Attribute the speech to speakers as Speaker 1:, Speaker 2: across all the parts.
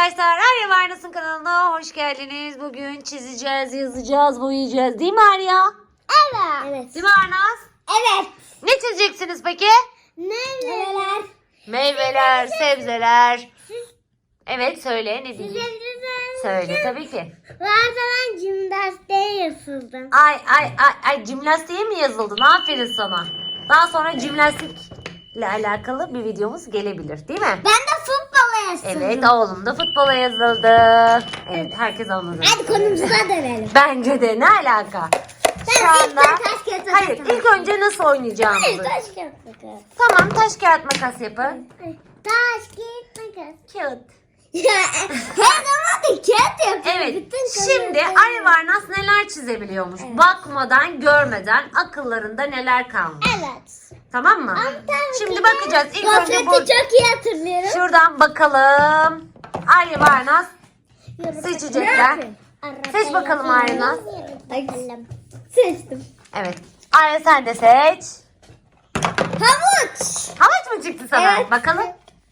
Speaker 1: arkadaşlar, Arya Varnas'ın kanalına hoş geldiniz. Bugün çizeceğiz, yazacağız, boyayacağız değil mi Arya?
Speaker 2: Evet.
Speaker 1: Değil mi Arnaz?
Speaker 2: Evet.
Speaker 1: Ne çizeceksiniz peki?
Speaker 2: Meyveler.
Speaker 1: Meyveler, sebzeler. Evet, söyle ne diyeyim?
Speaker 2: Sebzeler.
Speaker 1: Söyle tabii ki.
Speaker 2: Ben jimnastiğe yazıldım.
Speaker 1: Ay jimnastiğe mi yazıldın? Aferin sana. Daha sonra jimnastikle alakalı bir videomuz gelebilir değil mi?
Speaker 2: Ben de futbola yazıldım.
Speaker 1: Evet, oğlum da futbola yazıldı. Evet, herkes anladı.
Speaker 2: Hadi konumuza dönelim.
Speaker 1: Bence de ne alaka? Şu anda...
Speaker 2: taş kağıt makas.
Speaker 1: Hayır, ilk önce nasıl oynayacağımızı.
Speaker 2: Hayır, taş kağıt makas.
Speaker 1: Tamam, taş kağıt makas yapın.
Speaker 2: Taş kağıt makas.
Speaker 1: Kağıt.
Speaker 2: Her zaman da kağıt yapıyor.
Speaker 1: Evet,
Speaker 2: Bütün
Speaker 1: şimdi
Speaker 2: konuları-
Speaker 1: Arya Varnas neler çizebiliyormuş?
Speaker 2: Evet.
Speaker 1: Bakmadan, görmeden akıllarında neler kalmış.
Speaker 2: Evet.
Speaker 1: Tamam mı?
Speaker 2: Ama tabii
Speaker 1: Şimdi
Speaker 2: ki
Speaker 1: bakacağız. İlk önce
Speaker 2: Gofreti
Speaker 1: bu...
Speaker 2: çok iyi hatırlıyorum.
Speaker 1: Şuradan bakalım. Arya Varnas seçecekler. Seç bakalım Arya.
Speaker 2: Bakalım. Seçtim.
Speaker 1: Evet. Arya sen de seç.
Speaker 2: Havuç.
Speaker 1: Havuç mu çıktı sana?
Speaker 2: Evet.
Speaker 1: Bakalım.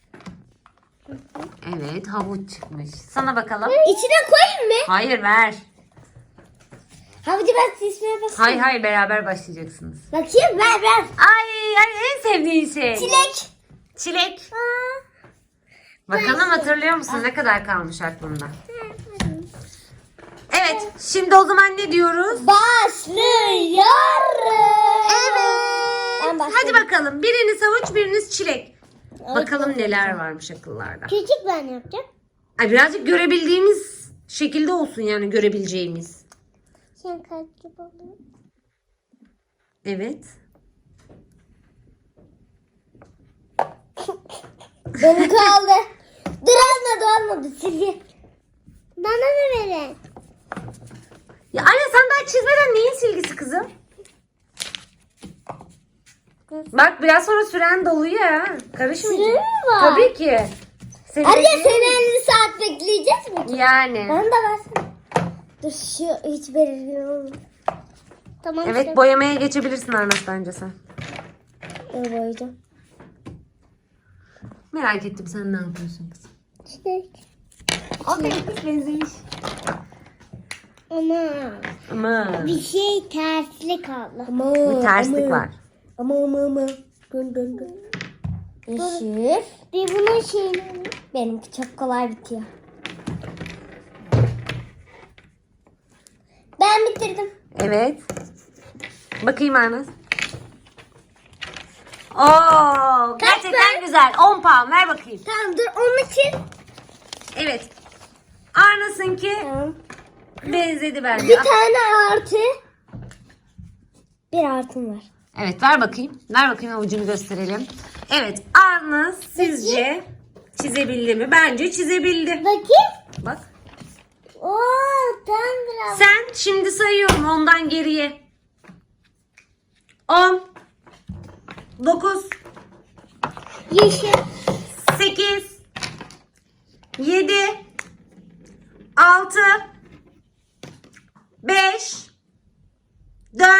Speaker 1: Evet, havuç çıkmış. Sana bakalım.
Speaker 2: İçine koyayım mı?
Speaker 1: Hayır, ver.
Speaker 2: Havucu ben seçmeye basayım.
Speaker 1: Hayır başlayacaksınız.
Speaker 2: Bakayım ver.
Speaker 1: Ay en sevdiğin şey.
Speaker 2: Çilek.
Speaker 1: Çilek. Bakalım hatırlıyor musun ne kadar kalmış aklında? Evet, şimdi o zaman ne diyoruz?
Speaker 2: Başlıyoruz. Ben başladım.
Speaker 1: Hadi bakalım. Biriniz havuç, biriniz çilek. Bakalım neler varmış akıllarda.
Speaker 2: Küçük ben yapacağım.
Speaker 1: Ay birazcık görebildiğimiz şekilde olsun yani görebileceğimiz.
Speaker 2: Sen kaç gibi oluyor?
Speaker 1: Evet.
Speaker 2: Benim kaldı. Dur olmadı silgi. Bana da verin.
Speaker 1: Ya anne sen daha çizmeden neyin silgisi kızım? Bak biraz sonra süren doluyor ha. Karışmayacak.
Speaker 2: Süre mi var?
Speaker 1: Tabii ki. Senin
Speaker 2: Anne
Speaker 1: dediğin-
Speaker 2: seni 50 saat bekleyeceğiz mi?
Speaker 1: Yani.
Speaker 2: Bana da versene. Dur şu hiç belirgin olmadı. Tamam.
Speaker 1: Evet boyamaya geçebilirsin Arnaz bence sen.
Speaker 2: Dur boyayacağım.
Speaker 1: Merak ettim sen ne yapıyorsun kızım.
Speaker 2: Çilek.
Speaker 1: Aferin kız benzemiş.
Speaker 2: Ama
Speaker 1: Ama
Speaker 2: bir şey tersli kaldı.
Speaker 1: bir terslik var.
Speaker 2: Ama. Dön. Yeşil. Bir bunun şeyini. Benimki çok kolay bitiyor. Ben bitirdim.
Speaker 1: Evet. Bakayım Arnaz. Oo, gerçekten
Speaker 2: puan?
Speaker 1: güzel. 10 puan ver bakayım.
Speaker 2: Tamam dur onun için.
Speaker 1: Evet. Arnaz'ınki
Speaker 2: Tamam.
Speaker 1: benzedi bence.
Speaker 2: Bir tane artı. Bir artım var.
Speaker 1: Evet ver bakayım. Ver bakayım avucunu gösterelim. Evet Arnaz sizce çizebildi mi? Bence çizebildi.
Speaker 2: Bakayım.
Speaker 1: Bak.
Speaker 2: Oo tam biraz.
Speaker 1: Sen şimdi sayıyorum ondan geriye. 10 9
Speaker 2: Yeşil.
Speaker 1: 8 7 6 5 4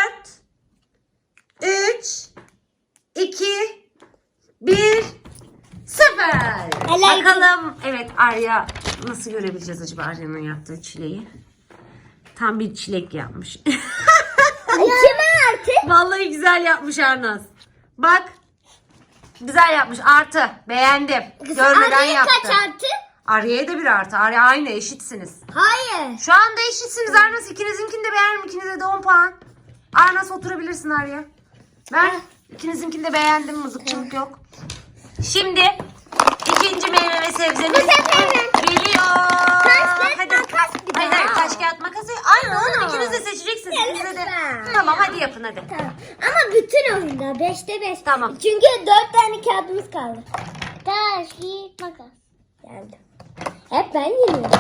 Speaker 1: 3 2 1 0.
Speaker 2: Helal.
Speaker 1: Bakalım evet Arya nasıl görebileceğiz acaba Arya'nın yaptığı çileği? Tam bir çilek yapmış.
Speaker 2: İki artı?
Speaker 1: Vallahi güzel yapmış Arnaz. Bak. Güzel yapmış. Artı. Beğendim. Görmeden
Speaker 2: Araya
Speaker 1: yaptı.
Speaker 2: kaç artı?
Speaker 1: Arya'ya da bir artı. Arya aynı eşitsiniz.
Speaker 2: Hayır.
Speaker 1: Şu anda eşitsiniz Arnaz. İkinizinkini de beğendim. İkinize de 10 puan. Arnaz oturabilirsin Arya. Ben ikinizinkini de beğendim. Mızıkçılık yok. Şimdi ikinci meyve ve sebzemiz geliyor.
Speaker 2: Taş, makas bir
Speaker 1: Hayır
Speaker 2: daha.
Speaker 1: taş kağıt makas. Aynı oğlum ikiniz de seçeceksiniz.
Speaker 2: Ya
Speaker 1: İkinize de.
Speaker 2: lütfen.
Speaker 1: Tamam hadi yapın hadi.
Speaker 2: Tamam. Ama bütün oyunda 5'te 5.
Speaker 1: Tamam.
Speaker 2: Çünkü 4 tane kağıdımız kaldı. Taş, kağıt, makas. Geldim. Hep ben yeniyorum.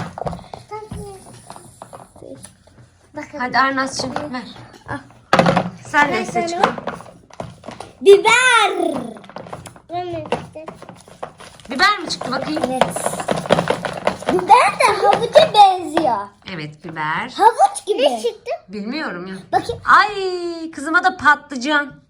Speaker 2: Bakalım.
Speaker 1: Hadi Arnaz'cığım ver.
Speaker 2: Al.
Speaker 1: Sen de
Speaker 2: Ben
Speaker 1: seç.
Speaker 2: sana- Biber.
Speaker 1: Biber mi çıktı bakayım?
Speaker 2: Evet. Biber de havuca benziyor.
Speaker 1: Evet biber.
Speaker 2: Havuç gibi. Ne çıktı?
Speaker 1: Bilmiyorum ya.
Speaker 2: Bakayım.
Speaker 1: Ay kızıma da patlıcan.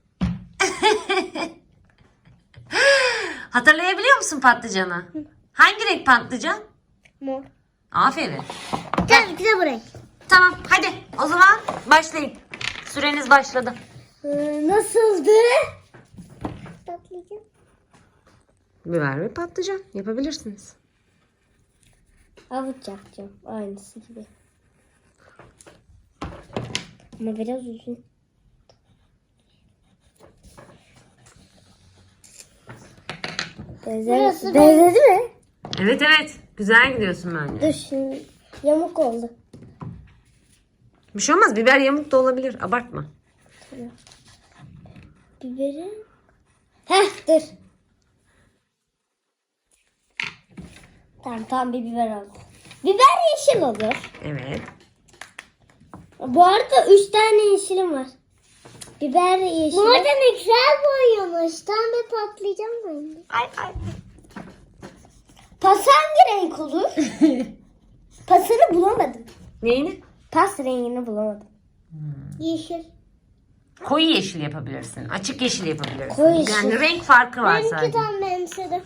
Speaker 1: Hatırlayabiliyor musun patlıcanı? Hangi renk patlıcan?
Speaker 2: Mor.
Speaker 1: Aferin.
Speaker 2: Tabii ki de bu renk.
Speaker 1: Tamam hadi o zaman başlayın. Süreniz başladı.
Speaker 2: Nasıldı? Patlıcan.
Speaker 1: Biber ve patlıcan yapabilirsiniz.
Speaker 2: Havuç yapacağım. Aynısı gibi. Ama biraz uzun. Benzedi mi?
Speaker 1: Evet evet. Güzel gidiyorsun bence.
Speaker 2: Dur şimdi yamuk oldu.
Speaker 1: Bir şey olmaz. Biber yamuk da olabilir. Abartma.
Speaker 2: Biberi. Heh dur. Tamam bir biber oldu. Biber yeşil olur.
Speaker 1: Evet.
Speaker 2: Bu arada 3 tane yeşilim var. Biber yeşil. Bu arada ne güzel boyamış. Tam bir patlayacağım ben.
Speaker 1: Ay.
Speaker 2: Pas hangi renk olur? Pasını bulamadım.
Speaker 1: Neyini?
Speaker 2: Pas rengini bulamadım. Yeşil.
Speaker 1: Koyu yeşil yapabilirsin. Açık yeşil yapabilirsin.
Speaker 2: Koyu yeşil.
Speaker 1: Yani renk farkı var sadece.
Speaker 2: tam benimsedim.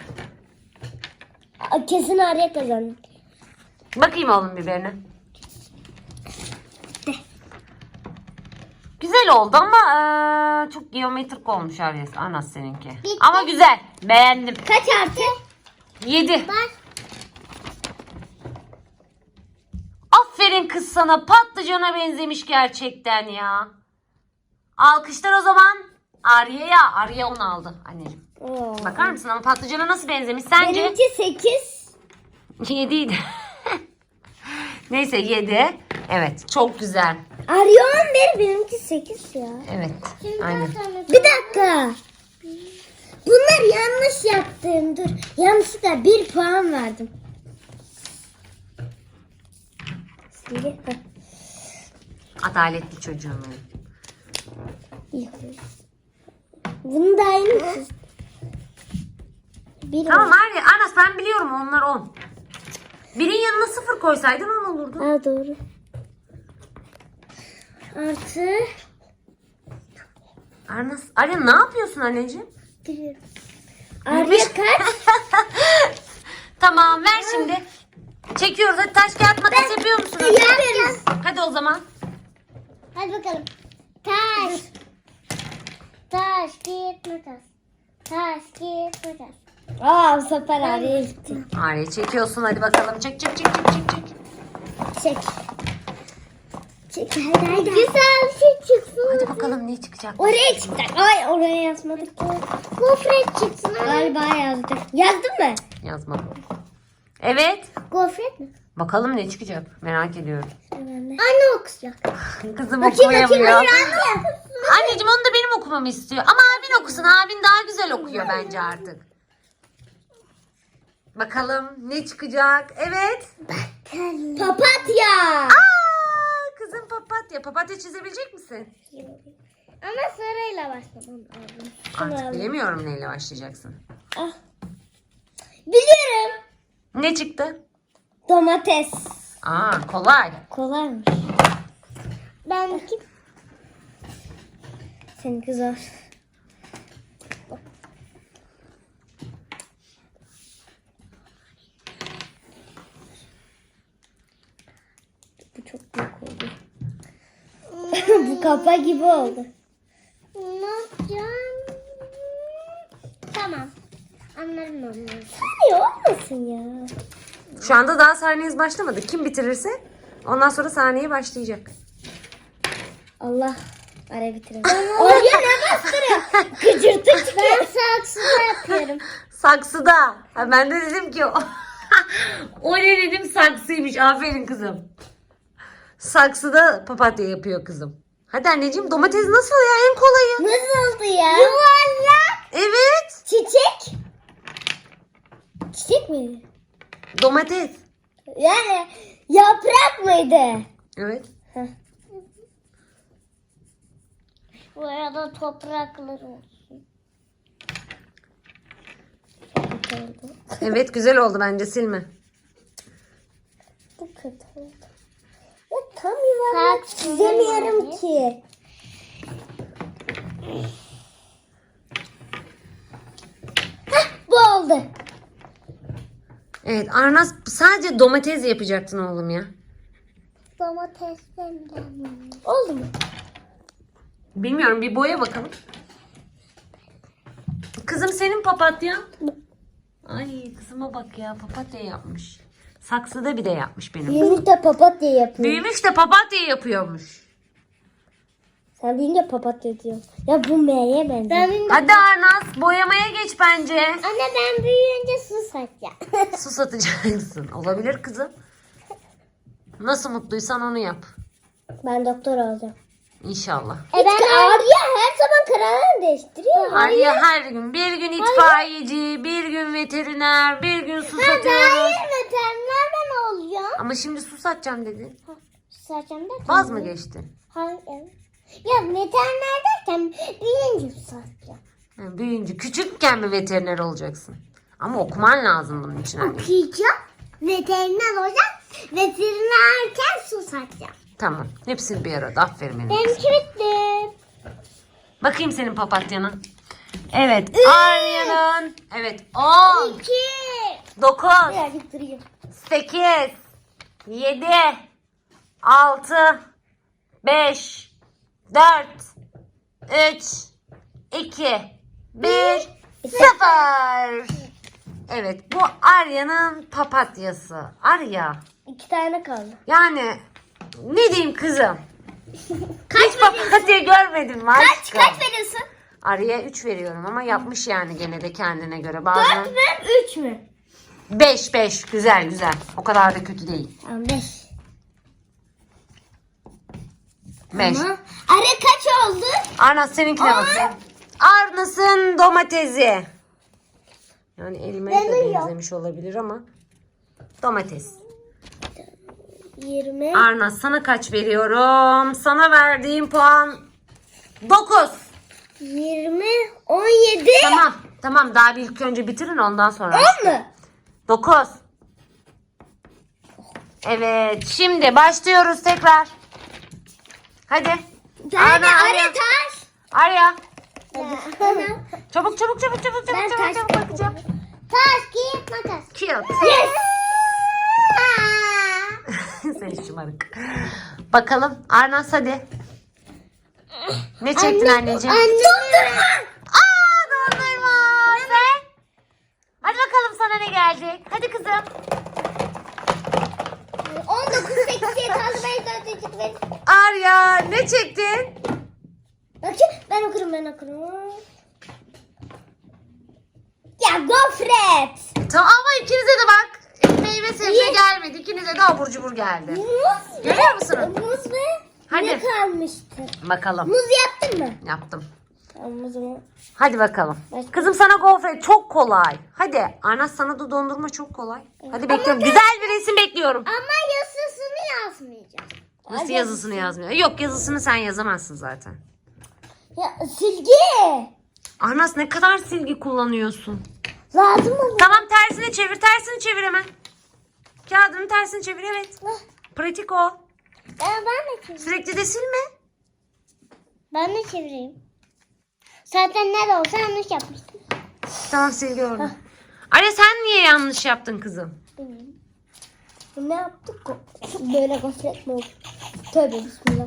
Speaker 2: Kesin Arya kazandı.
Speaker 1: Bakayım oğlum biberine. Güzel oldu ama çok geometrik olmuş Aryes. Anas seninki.
Speaker 2: Bitti.
Speaker 1: Ama güzel. Beğendim.
Speaker 2: Kaç artı?
Speaker 1: 7.
Speaker 2: Bak.
Speaker 1: Aferin kız sana. Patlıcana benzemiş gerçekten ya. Alkışlar o zaman. Arya'ya. Arya 10 aldı anneciğim. Bakar mısın ama patlıcana nasıl benzemiş sence?
Speaker 2: Benimki 8.
Speaker 1: 7 idi. Neyse 7. Evet çok güzel.
Speaker 2: Arya 11 benimki 8 ya.
Speaker 1: Evet. Aynen.
Speaker 2: Bir dakika. Bunlar yanlış yaptım. Dur. Yanlışlıkla 1 puan verdim. Şimdi.
Speaker 1: Adaletli çocuğum benim.
Speaker 2: Bunu da aynı çizdim. Bir
Speaker 1: Tamam Arya. Anas ben biliyorum onlar 10. Birin yanına 0 koysaydın 10 olurdu.
Speaker 2: Ha doğru. Artı.
Speaker 1: Anas. Arya ne yapıyorsun anneciğim?
Speaker 2: Biliyorum. Arya kaç?
Speaker 1: Tamam ver şimdi. Çekiyoruz. Hadi taş kağıt makas yapıyor musunuz?
Speaker 2: Yapıyoruz.
Speaker 1: Hadi o zaman.
Speaker 2: Hadi bakalım. Taş. Taş, kağıt, makas. Taş, kağıt, makas. Aa bu sefer Arya'ya gitti.
Speaker 1: Arya çekiyorsun hadi bakalım. Çek.
Speaker 2: Çek. Çek. Hadi. Güzel şey çıksın.
Speaker 1: Hadi bakalım ne çıkacak.
Speaker 2: Oraya çıkacak. Ay oraya yazmadık ki. Gofret çıksın. Galiba yazdık. Yazdın mı?
Speaker 1: Yazmadım. Evet.
Speaker 2: Gofret mi?
Speaker 1: Bakalım ne çıkacak. Merak ediyorum.
Speaker 2: Anne okuyacak.
Speaker 1: Kızım
Speaker 2: Bakayım.
Speaker 1: okuyamıyor.
Speaker 2: Anne.
Speaker 1: Anneciğim onu da benim okumamı istiyor. Ama abin okusun. Abin daha güzel okuyor bence artık. Bakalım ne çıkacak. Evet.
Speaker 2: Papatya.
Speaker 1: Aa, kızım papatya. Papatya çizebilecek misin?
Speaker 2: Ama sarıyla başlamam lazım.
Speaker 1: Artık bilemiyorum neyle başlayacaksın.
Speaker 2: Ah. Biliyorum.
Speaker 1: Ne çıktı?
Speaker 2: Domates.
Speaker 1: Aa kolay.
Speaker 2: Kolaymış. Benimki. Seninki zor. Bu çok büyük oldu. Bu kafa gibi oldu. Ne yapacağım? Tamam. Anlarım onları. Hayır olmasın ya.
Speaker 1: Şu anda daha saniyeniz başlamadı. Kim bitirirse ondan sonra saniye başlayacak.
Speaker 2: Allah. Ara bitirelim. Oraya ne bastırıyor? Gıcırtı çıkıyor. Ben saksıda yapıyorum.
Speaker 1: Saksıda. Ha, ben de dedim ki o ne dedim saksıymış. Aferin kızım. Saksıda papatya yapıyor kızım. Hadi anneciğim domates nasıl ya en kolayı.
Speaker 2: Nasıldı ya? Yuvarlak.
Speaker 1: Evet.
Speaker 2: Çiçek. Çiçek miydi?
Speaker 1: Domates.
Speaker 2: Yani yaprak mıydı?
Speaker 1: Evet.
Speaker 2: Bu arada toprakları olsun.
Speaker 1: Evet güzel oldu bence silme.
Speaker 2: Bu kötü oldu. Ya tam yuvarlak çizemiyorum ki. Hah, bu oldu.
Speaker 1: Evet Arnaz sadece domates yapacaktın oğlum ya.
Speaker 2: Domatesten oldu mu?
Speaker 1: Bilmiyorum bir boya bakalım. Kızım senin papatyan. Ay kızıma bak ya papatya yapmış. Saksıda bir de yapmış benim.
Speaker 2: Büyümüş de papatya yapıyor.
Speaker 1: Büyümüş de papatya yapıyormuş.
Speaker 2: Sen büyüyünce papatya diyorsun. Ya bu M'ye benziyor.
Speaker 1: Hadi Arnaz boyamaya geç bence.
Speaker 2: Anne ben büyüyünce su satacağım.
Speaker 1: Su satacaksın. Olabilir kızım. Nasıl mutluysan onu yap.
Speaker 2: Ben doktor olacağım.
Speaker 1: İnşallah.
Speaker 2: Ben Arya her zaman kararını değiştiriyor.
Speaker 1: Arya her gün. Bir gün itfaiyeci, bir gün veteriner, bir gün su satıyor.
Speaker 2: Veteriner ben olacağım.
Speaker 1: Ama şimdi su satacağım dedin.
Speaker 2: Su satacağım derken.
Speaker 1: Vaz mı geçtin?
Speaker 2: Hayır. Ya veteriner derken büyüyünce su satacağım.
Speaker 1: Yani büyüyünce küçükken mi veteriner olacaksın? Ama okuman lazım bunun için anne.
Speaker 2: Okuyacağım. Veteriner olacağım. Veterinerken su satacağım.
Speaker 1: Tamam. Hepsini bir arada. Aferin benim.
Speaker 2: Benimki bitti.
Speaker 1: Bakayım senin papatyana. Evet. Arya'nın. Evet. 10,
Speaker 2: 2.
Speaker 1: 9,
Speaker 2: Birazcık durayım.
Speaker 1: 8, 7, 6, 5, 4, 3, 2, 1, 0. Evet bu Arya'nın papatyası. Arya.
Speaker 2: 2 tane kaldı.
Speaker 1: Yani ne diyeyim kızım? Hiç papatya görmedim mi aşkım?
Speaker 2: Kaç veriyorsun?
Speaker 1: Arya'ya 3 veriyorum ama yapmış yani gene de kendine göre. Bazen
Speaker 2: 4 mü 3 mü?
Speaker 1: 5 güzel güzel. O kadar da kötü değil.
Speaker 2: Tamam 5.
Speaker 1: 5.
Speaker 2: Arya kaç oldu?
Speaker 1: Arnaz seninkine bakayım. Arnaz'ın domatesi. Yani elmaya da
Speaker 2: Benim yok.
Speaker 1: benzemiş olabilir ama domates.
Speaker 2: 20.
Speaker 1: Arnaz sana kaç veriyorum? Sana verdiğim puan 9.
Speaker 2: 20. 17.
Speaker 1: Tamam daha bir ilk önce bitirin ondan sonra.
Speaker 2: 10 mu?
Speaker 1: 9. Evet şimdi başlıyoruz tekrar. Hadi.
Speaker 2: Arya taş.
Speaker 1: Arya.
Speaker 2: Bana.
Speaker 1: Çabuk
Speaker 2: Ben taş
Speaker 1: çabuk bakacağım.
Speaker 2: Taş, kağıt, makas.
Speaker 1: Kağıt.
Speaker 2: Yes.
Speaker 1: Sen şımarık. Bakalım Arnaz hadi. Ne çektin anneciğim?
Speaker 2: Dondurma.
Speaker 1: Aa dondurma. Sen? Hadi bakalım sana ne gelecek. Hadi kızım.
Speaker 2: 19 8'e kaldı. Ben 4 verin.
Speaker 1: Arya ne çektin?
Speaker 2: Bakayım ben okurum. Ya gofret.
Speaker 1: Tamam ama ikinize de bak. Meyve sebze gelmedi. İkinize de abur cubur geldi.
Speaker 2: Muz.
Speaker 1: Görüyor musun?
Speaker 2: Muz ve
Speaker 1: Hadi.
Speaker 2: ne kalmıştı?
Speaker 1: Bakalım.
Speaker 2: Muz yaptın mı?
Speaker 1: Yaptım.
Speaker 2: Tamam muzumu.
Speaker 1: Hadi bakalım.
Speaker 2: Başka?
Speaker 1: Kızım sana gofret çok kolay. Hadi. Arnaz sana da dondurma çok kolay. Hadi bekliyorum. Güzel bir resim bekliyorum.
Speaker 2: Ama yazısını yazmayacağım.
Speaker 1: Nasıl yazısını yazmıyor? Yok yazısını sen yazamazsın zaten.
Speaker 2: Ya silgi.
Speaker 1: Arnaz ne kadar silgi kullanıyorsun?
Speaker 2: Lazım mı?
Speaker 1: Tamam tersine çevir. Tersini çevir hemen. Kağıdını tersini çevir evet. Pratik o.
Speaker 2: Ben de çevireyim.
Speaker 1: Sürekli de silme.
Speaker 2: Ben de çevireyim. Zaten ne de olsa yanlış yapmıştım.
Speaker 1: Tamam silgi orada. Arya sen niye yanlış yaptın kızım?
Speaker 2: Bilmiyorum. Ne yaptık? Böyle gofret mi oldu? Tövbe bismillah.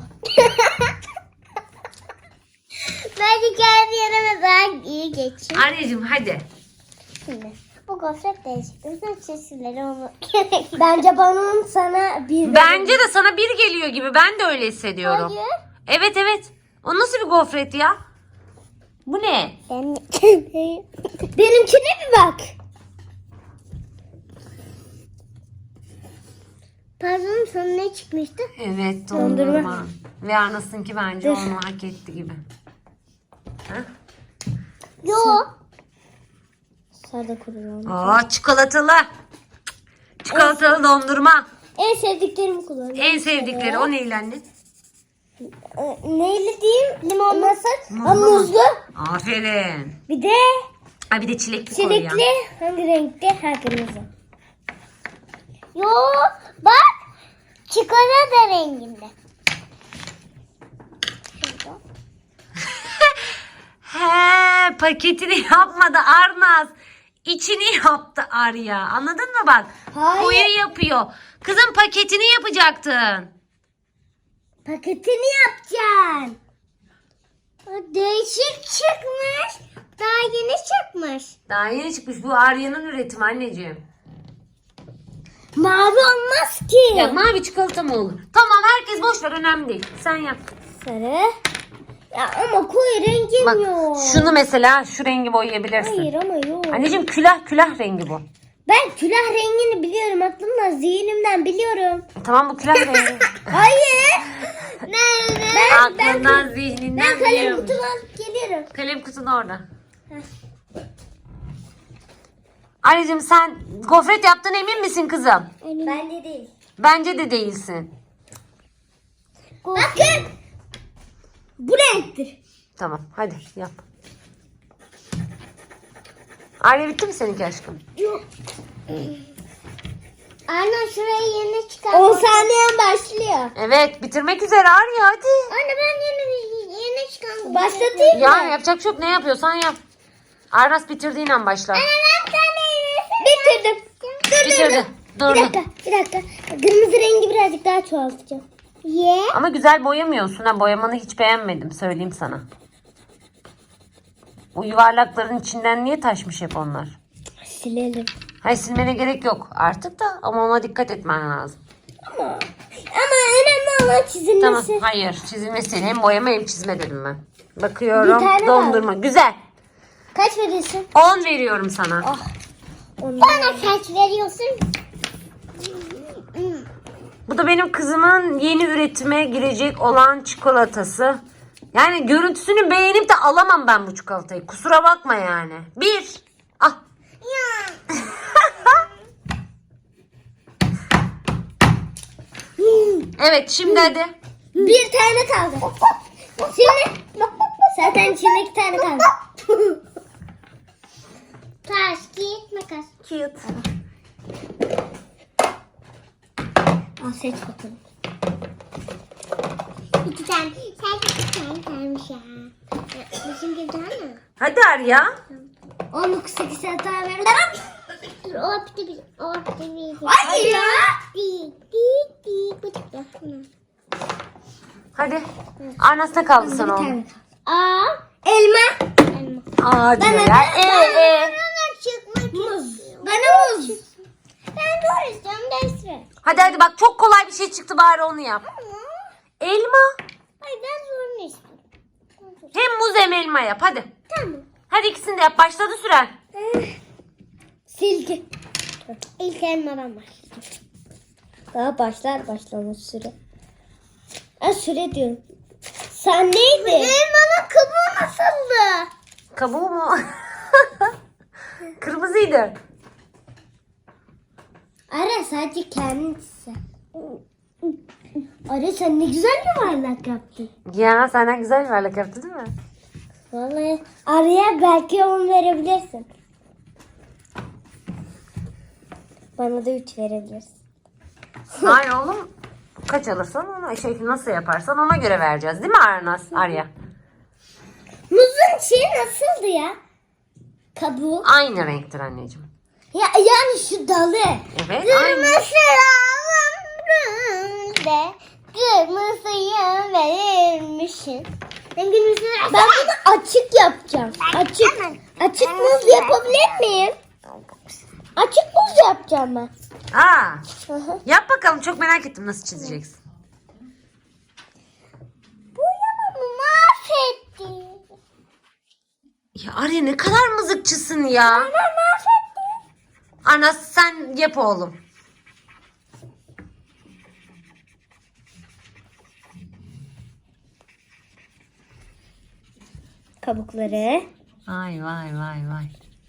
Speaker 2: Bence kendi yerime daha iyi geçeyim.
Speaker 1: Arya'cığım hadi.
Speaker 2: Şimdi bu gofret değişik. Bütün sesleri onu bence bana sana bir
Speaker 1: Bence de sana bir geliyor gibi. Ben de öyle hissediyorum.
Speaker 2: Hayır.
Speaker 1: Evet. O nasıl bir gofret ya? Bu ne?
Speaker 2: Benimkine bir bak. Pardon sana ne çıkmıştı?
Speaker 1: Evet dondurma. Ve Arnaz'ınki bence onu hak etti gibi. Ha?
Speaker 2: Yo. Sade kuruyorum.
Speaker 1: Aa çikolatalı. Çikolatalı dondurma.
Speaker 2: En sevdiklerimi kullanıyorum.
Speaker 1: En sevdikleri o neyle anne?
Speaker 2: Neyle diyeyim? Limonlu.
Speaker 1: Muzlu mu?
Speaker 2: Muzlu.
Speaker 1: Aferin.
Speaker 2: Bir de
Speaker 1: Ha bir de çilekli koy ya.
Speaker 2: çilekli. Hangi renkte? Ha kırmızı. Yo bak. Çikolata renginde.
Speaker 1: He paketini yapmadı Arnaz. içini yaptı Arya. Anladın mı bak?
Speaker 2: Hayır.
Speaker 1: Koyu yapıyor. Kızım paketini yapacaktın.
Speaker 2: Paketini yapacaksın. O değişik çıkmış. Daha yeni çıkmış.
Speaker 1: Daha yeni çıkmış. Bu Arya'nın üretimi anneciğim.
Speaker 2: Mavi olmaz ki.
Speaker 1: Ya mavi çikolata mı olur? Tamam herkes boş ver önemli değil. Sen yap.
Speaker 2: Sarı. Ya ama koyu rengim
Speaker 1: Bak
Speaker 2: yok.
Speaker 1: şunu mesela şu rengi boyayabilirsin.
Speaker 2: Hayır ama yok.
Speaker 1: Anneciğim külah rengi bu.
Speaker 2: Ben külah rengini biliyorum. Aklımda zihnimden biliyorum.
Speaker 1: Tamam bu külah rengi.
Speaker 2: Hayır. Ben
Speaker 1: Aklından zihninden
Speaker 2: kalem
Speaker 1: biliyorum.
Speaker 2: kutumu alıp geliyorum.
Speaker 1: Kalem kutun orada. Anneciğim sen gofret yaptın emin misin kızım?
Speaker 2: Bence değil.
Speaker 1: Bence de değilsin.
Speaker 2: Bakın. Bu renktir.
Speaker 1: Tamam hadi yap. Arya bitti mi seninki aşkım?
Speaker 2: Yok. Anne şurayı yeni çıkar. 10 saniyen başlıyor.
Speaker 1: Evet bitirmek üzere Arya hadi.
Speaker 2: Anne ben yeni çıkan. Başlatayım mı?
Speaker 1: Ya yapacak çok ne yapıyorsan yap. Arnas bitirdiğin an başla.
Speaker 2: Ben bitirdim.
Speaker 1: Bitirdi. Dur.
Speaker 2: Bir dakika. Kırmızı rengi birazcık daha çoğaltacağım.
Speaker 1: Ama güzel boyamıyorsun ha. Boyamanı hiç beğenmedim söyleyeyim sana. O yuvarlakların içinden niye taşmış hep onlar?
Speaker 2: Silelim.
Speaker 1: Hayır silmene gerek yok artık da ama ona dikkat etmen lazım.
Speaker 2: Ama önemli olan çizilmesi.
Speaker 1: Tamam hayır çizilmesi hem boyama hem çizme dedim ben. Bakıyorum
Speaker 2: Bir tane
Speaker 1: dondurma güzel.
Speaker 2: Kaç veriyorsun?
Speaker 1: 10 veriyorum sana.
Speaker 2: Bana kaç veriyorsun?
Speaker 1: Bu da benim kızımın yeni üretime girecek olan çikolatası. Yani görüntüsünü beğenip de alamam ben bu çikolatayı. Kusura bakma yani. 1. Ah. Evet şimdi hadi.
Speaker 2: Bir tane kaldı. Şimdi zaten içinde 2 tane kaldı. Taş, kağıt, makas.
Speaker 1: Cute.
Speaker 2: Al seç bakalım. 2 tane. Sadece 2 tane kalmış ya. Bizim gibi daha mı?
Speaker 1: Hadi Arya.
Speaker 2: 19 hata verdim. O bitti bir. O bitti bir. Hayır ya. Bu çıktı.
Speaker 1: Hadi. Arnas'ta kaldı sana o.
Speaker 2: Aa, elma.
Speaker 1: Aa diyor ya.
Speaker 2: Muz. Bana muz. Ben doğru istiyorum değiştirelim.
Speaker 1: Hadi bak çok kolay bir şey çıktı bari onu yap. Elma.
Speaker 2: Hayır ben zorunu istiyorum.
Speaker 1: Hem muz hem elma yap hadi.
Speaker 2: Tamam.
Speaker 1: Hadi ikisini de yap. Başladı süren.
Speaker 2: Silgi. İlk elmadan başlayacağım. Daha başlamaz süre. Süre diyorum. Sen neydi? Elmanın kabuğu nasıldı?
Speaker 1: Kabuğu mu? Kırmızıydı.
Speaker 2: Ara sadece kendisi. Ara sen ne güzel yuvarlak yaptın.
Speaker 1: Ya senden güzel bir yuvarlak yaptı değil mi?
Speaker 2: Vallahi araya belki 10 verebilirsin. Bana da 3 verebilirsin.
Speaker 1: Hayır oğlum. Kaç alırsan ona nasıl yaparsan ona göre vereceğiz değil mi Arya?
Speaker 2: Muzun şeyi nasıldı ya? Kabuğu.
Speaker 1: Aynı renktir anneciğim.
Speaker 2: Ya yani şu dalı.
Speaker 1: Evet aynı.
Speaker 2: Kırmızıyı verilmişim. Ben bunu açık yapacağım. Açık muz yapabilir miyim? Açık muz yapacağım ben.
Speaker 1: Aa,
Speaker 2: Hı.
Speaker 1: yap bakalım çok merak ettim nasıl çizeceksin.
Speaker 2: Boyamamı mahvetti.
Speaker 1: Ya Arya ne kadar mızıkçısın ya. Anas sen yap oğlum.
Speaker 2: Kabukları.
Speaker 1: Vay.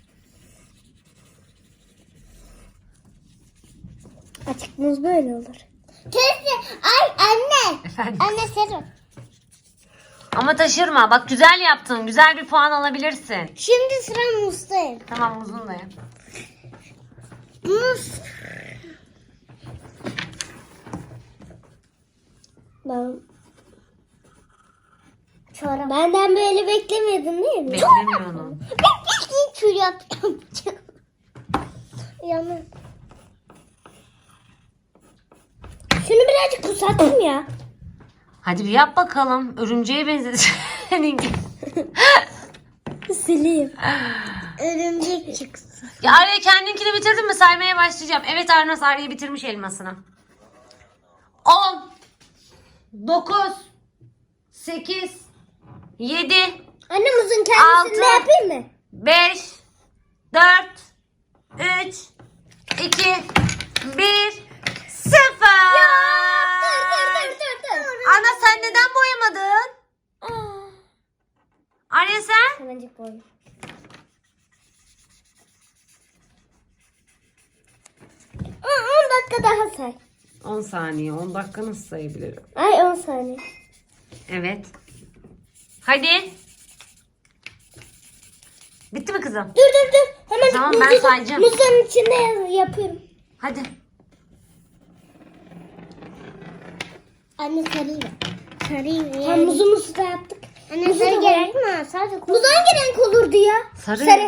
Speaker 2: Açık muz böyle olur. Teyze, ay anne.
Speaker 1: Efendim?
Speaker 2: Anne serum.
Speaker 1: Ama taşırma. Bak güzel yaptın. Güzel bir puan alabilirsin.
Speaker 2: Şimdi sıra muzdayım.
Speaker 1: Tamam muzun da yap.
Speaker 2: Muz. Benden böyle beklemiyordun değil mi?
Speaker 1: Beklemiyorum.
Speaker 2: Ben ilk kül yaptım. Yanı. Şunu birazcık kısaltayım ya.
Speaker 1: Hadi bir yap bakalım. Örümceğe benzedi seninki.
Speaker 2: Sileyim. Örümcek çıksın.
Speaker 1: Ya Arya kendinkini bitirdin mi? Saymaya başlayacağım. Evet Arnaz Arya bitirmiş elmasını. 10 9 8 7
Speaker 2: Anne muzun kendisini
Speaker 1: Altı.
Speaker 2: de yapayım mı?
Speaker 1: 5 4 3 2 1 0
Speaker 2: Dur.
Speaker 1: Ana sen neden boyamadın? Arya sen?
Speaker 2: Hemencik boy. 10 dakika daha say.
Speaker 1: 10 saniye 10 dakika nasıl sayabilirim?
Speaker 2: Ay 10 saniye.
Speaker 1: Evet. Hadi. Bitti mi kızım?
Speaker 2: Dur. Hemen
Speaker 1: Tamam, ben sayacağım.
Speaker 2: Muzun içinde yapıyorum.
Speaker 1: Hadi.
Speaker 2: Anne sarayım. Sarayım. Muzumuzu da yaptık. Anne sarı gerek mi? Sadece muz hangi renk olurdu ya?
Speaker 1: Sarı.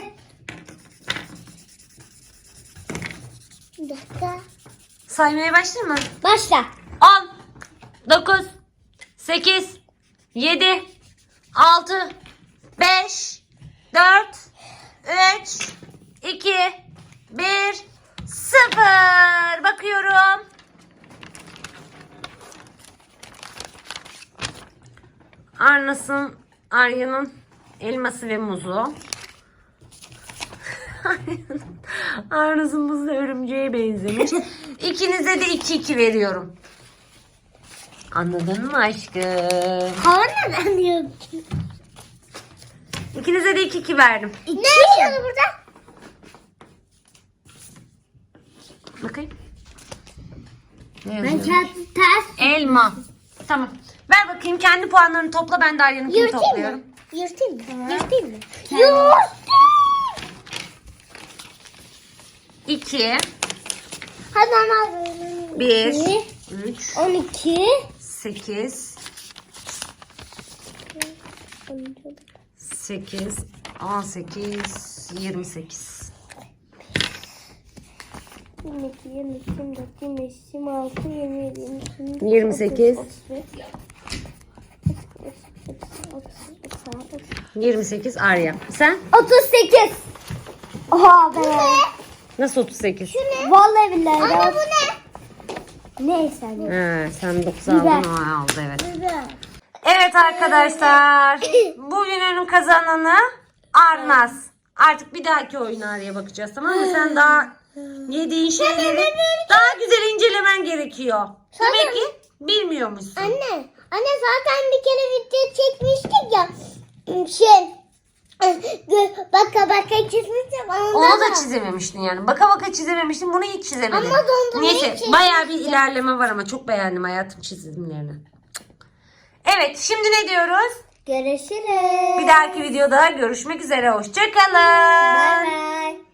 Speaker 2: Bir dakika.
Speaker 1: Saymaya başlayayım mı?
Speaker 2: Başla.
Speaker 1: 10 9 8 7 6 5 4 3 2 1 0 Bakıyorum. Arya'nın elması ve muzu. Arnaz'ın muzu da örümceğe benzemiş. İkinize de 2-2 veriyorum. Anladın mı aşkım?
Speaker 2: Hava neden diyorum?
Speaker 1: İkinize de 2-2 verdim.
Speaker 2: Ne yazıyor burada?
Speaker 1: Bakayım. Ne
Speaker 2: Ben
Speaker 1: yazıyor?
Speaker 2: kağıdı ters
Speaker 1: Elma. Tamam. Ver bakayım kendi puanlarını topla. Ben de Arya'nınkini
Speaker 2: yırtayım
Speaker 1: topluyorum.
Speaker 2: mı? Yırtayım mı? Yırtayım mı?
Speaker 1: 2
Speaker 2: Hadi ana.
Speaker 1: 1 3
Speaker 2: 12
Speaker 1: 8 8 18 28
Speaker 2: 22, 23, 24, 25, 26, 27, 28,
Speaker 1: 28. 28 Arya. Sen?
Speaker 2: 38. Oha be.
Speaker 1: Nasıl 38?
Speaker 2: Vallahi billahi. Anne bu ne? Neyse anne.
Speaker 1: He, sen 9
Speaker 2: Biber.
Speaker 1: aldın o aldı evet. Evet arkadaşlar. Bugünün kazananı Arnaz. Artık bir dahaki oyun Arya'ya bakacağız tamam mı? Sen daha yediğin şeyleri daha güzel incelemen gerekiyor. Demek ki bilmiyormuşsun.
Speaker 2: Anne zaten bir kere video çekmiştik ya. Baka çizmiştim.
Speaker 1: Onu da çizememiştin yani. Baka baka çizememiştin. Bunu hiç çizemedin.
Speaker 2: Ama dondurmayı
Speaker 1: Neyse
Speaker 2: çizmiştim.
Speaker 1: bayağı bir ilerleme var ama çok beğendim hayatım çizimlerini. Evet şimdi ne diyoruz?
Speaker 2: Görüşürüz.
Speaker 1: Bir dahaki videoda görüşmek üzere. Hoşçakalın.
Speaker 2: Bye bye.